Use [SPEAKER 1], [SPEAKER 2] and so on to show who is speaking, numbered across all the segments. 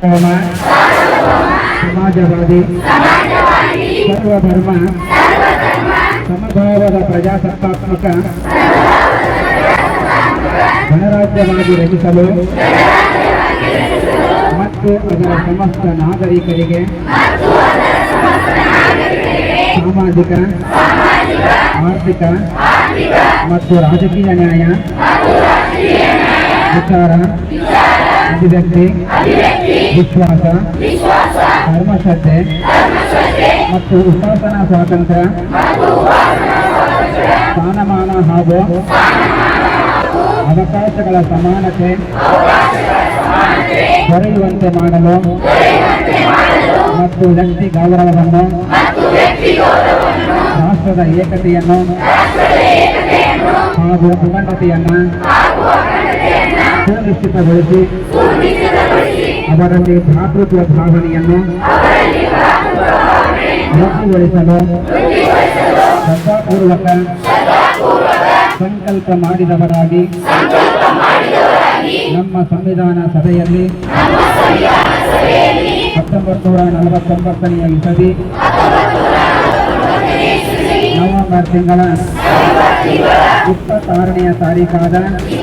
[SPEAKER 1] ಸಮಾಜವಾದಿ ಸರ್ವಧರ್ಮ ಸಮಭಾವದ ಪ್ರಜಾಸತ್ತಾತ್ಮಕ ಗಣರಾಜ್ಯವಾಗಿ ರಚಿಸಲು ಮತ್ತು ಅದರ ಸಮಸ್ತ ನಾಗರಿಕರಿಗೆ ಸಾಮಾಜಿಕ ಆರ್ಥಿಕ ಮತ್ತು ರಾಜಕೀಯ ನ್ಯಾಯ ವಿಚಾರ ಅಭಿವ್ಯಕ್ತಿ ವಿಶ್ವಾಸ ಧರ್ಮಶ್ರದ್ಧೆ ಮತ್ತು ಉಪಾಸನಾ ಸ್ವಾತಂತ್ರ್ಯ ಸ್ಥಾನಮಾನ ಹಾಗೂ ಅವಕಾಶಗಳ ಸಮಾನತೆ ದೊರೆಯುವಂತೆ ಮಾಡಲು ಮತ್ತು ವ್ಯಕ್ತಿ ಗೌರವವನ್ನು ರಾಷ್ಟ್ರದ ಏಕತೆಯನ್ನು ಹಾಗೂ ಅಖಂಡತೆಯನ್ನು ಸುನಿಶ್ಚಿತಗೊಳಿಸಿ ಅವರಲ್ಲಿ ಭ್ರಾತೃತ್ವ ಭಾವನೆಯನ್ನು ವೃದ್ಧಿಗೊಳಿಸಲು ಶ್ರದ್ಧಾಪೂರ್ವಕ ಸಂಕಲ್ಪ ಮಾಡಿದವರಾಗಿ ನಮ್ಮ ಸಂವಿಧಾನ ಸಭೆಯಲ್ಲಿ 1949ನೇ ಇಸವಿ ನವೆಂಬರ್ ತಿಂಗಳ 26ನೇ ತಾರೀಖಾದ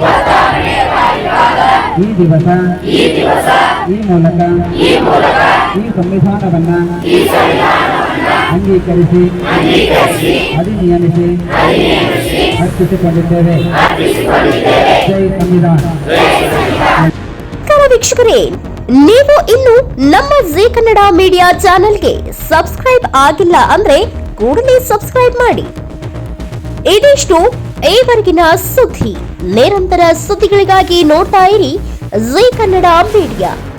[SPEAKER 1] ಈ ದಿವಸ ಈ ಮೂಲಕ ಈ ಸಂವಿಧಾನವನ್ನು ಅಂಗೀಕರಿಸಿ ಅಧಿನಿಯಮಿಸಿ ಅರ್ಪಿಸಿಕೊಂಡಿದ್ದೇವೆ. ಜೈ ಸಂವಿಧಾನ.
[SPEAKER 2] ವೀಕ್ಷಕರೇ, ನೀವು ಇನ್ನು ನಮ್ಮ ಜೀ ಕನ್ನಡ ಮೀಡಿಯಾ ಚಾನೆಲ್ಗೆ ಸಬ್ಸ್ಕ್ರೈಬ್ ಆಗಿಲ್ಲ ಅಂದ್ರೆ ಕೂಡಲೇ ಸಬ್ಸ್ಕ್ರೈಬ್ ಮಾಡಿ. ಇದಿಷ್ಟು ಈವರೆಗಿನ ಸುದ್ದಿ. ನಿರಂತರ ಸುದ್ದಿಗಳಿಗಾಗಿ ನೋಡ್ತಾ ಇರಿ ಜೀ ಕನ್ನಡ ಮೀಡಿಯಾ.